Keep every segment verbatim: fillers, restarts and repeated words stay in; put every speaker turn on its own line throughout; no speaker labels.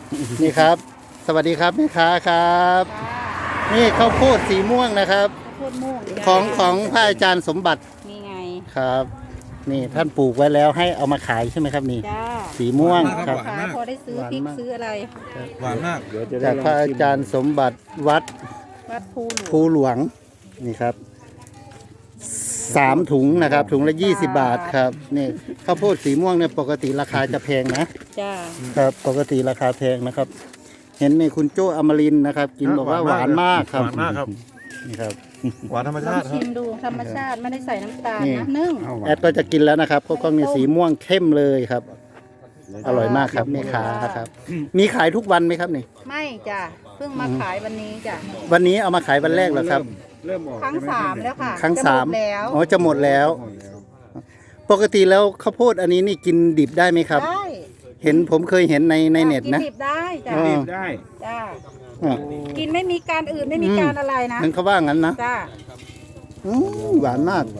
นี่ครับ สวัสดีครับแม่ค้าครับ นี่ข้าวโพดสีม่วงนะครับ
ข้าวโพดม่วง
ของของพระอาจารย์สมบัติ
นี่ไง
ครับ นี่ท่านปลูกไว้แล้วให้เอามาขายใช่ไหมครับนี่
จ้า
สีม่วงครับ
ขายพอได้ซื้อพริกซื้ออะไร
หวานมาก
จากพระอาจารย์สมบัติวัด
วัดภูหลวง
ภูหลวงนี่ครับสามถุงนะครับ ถุงละยี่สิบบาทครับนี่ข้าวโพดสีม่วงเนี่ยปกติราคาจะแพงนะ
จ้า
ครับปกติราคาแพงนะครับ เห็นในคุณโจอมรินทร์นะครับ กินบอกว่าหวานมากครับ
หวานมากครับ
นี่ครับ
หวานธรรม
ลอ
ชาง ติครั
ชิ
บ
มดูธรรมชาติไม่ได้ใส่น้ำตาล
นี่
นะนึ่ง
แอดก็จะกินแล้วนะครับก็กล้องนี่สีม่วงเข้มเลยครับ อร่อยมากครับแม่ค้าครับ มีขายทุกวันไหมครับนี่
ไม่จ้าเพิ่งมาขายวันนี้จ้า
วันนี้เอามาขายวันแรกเหรอครับ
เริ่มออก
ครั้งสามแล้วค่ะ
ครั้งสาม
จะหดแล้ว
อ๋อจะหมดแล้ว ปกติแล้วข้าวโพดอันนี้นี่กินดิบได้ไหมครับ
ได้
เห็นผมเคยเห็นในในเน็ตนะ
กิดิบได้จ้า
อ๋อ
ได้
จ้า
อ่ะ
กินไม่มีการอื่นไม่มีการอะไรนะ
นั่นเขาว่างั้นนะ
จ้า
อืมหวานมาก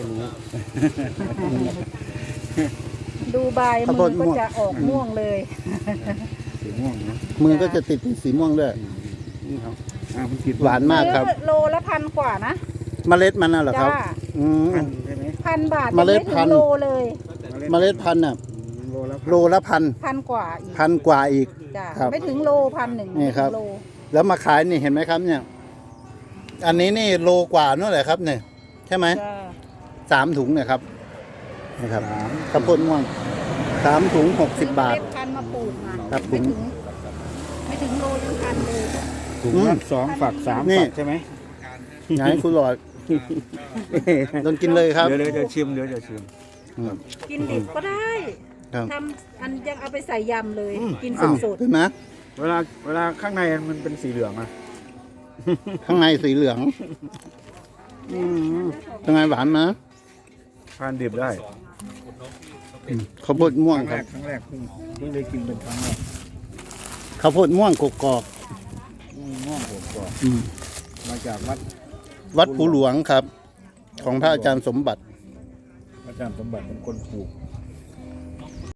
ดูใบ
ข้าวโพ
มื
ด
อ
ม่
ก็
วง
จะออกม่วงเลย
สีม่วงนะ
มือก็จะติดเป็นสีม่วงด้วย
นี่ครับอ่ามันขีด
หวานมากครับ
ซื้อโลละพันกว่านะ
เมล็ดมันน่ะเหรอครับ
จ้า
อืม
พันใช่ไหม
พันบาท
เมล็ด
ยังไถึง
พันธุ์
โลเลย
เมล็ดพันธุ์น่ะ
โลละ
โลละพัน
พันกว่าอีก
พันกว่าอีก
จ้า
ครับ
ไม่ถึงโลพันหนึ่ง
นี่ครับ
โล
แล้วมาขายนี่เห็นไหมครับเนี่ย อันนี้นี่โลกว่านู่นแหละครับเนี่ยใช่ไหม
จ้า
สามถุงเนี่ยครับนี่ครับข้าวโพดม่วงสามถุงหกสิบบาท
ซื้อเมล็ดพันธุ์มาปลูกมา
ครับผ
ไม่
ม
ถึงไม่ถึงโลถึงพันเลย
ถุงละสองฝักสาม
นี่
ฝักใช่ไหม
อยากให้คุณหลอดโดนกินเลยครับ
เดี๋ยวเดี๋ยวเดี๋ยวชิมเดี๋ยวเดี๋ยวชิม
กินดิบก็ได้
ครับ
ทำอันยังเอาไปใส่ยำเลย กินส
อ้าว
ด
เห็นไหม
เวลาเวลาข้างในมันเป็นสีเหลืองอะ
ข้างในสีเหลืองอืมเป็นไงหวานนะ
ทานดิบได้
ข้าวโพดม่ว
ค
ง
รั้ง
ค
แร
รับ
กครั้งแรกเพิ่งเพิ่งได้กินเป็นครั้งแรก
ข้าวโพดม่วงกกอก
อืมม่วงผมก่อน
ๆอืม
มาจากวัด
วัดภูหลวงครับ ของพระอาจารย์สมบัติ
อาจารย์สมบัติเป็นคนปลูก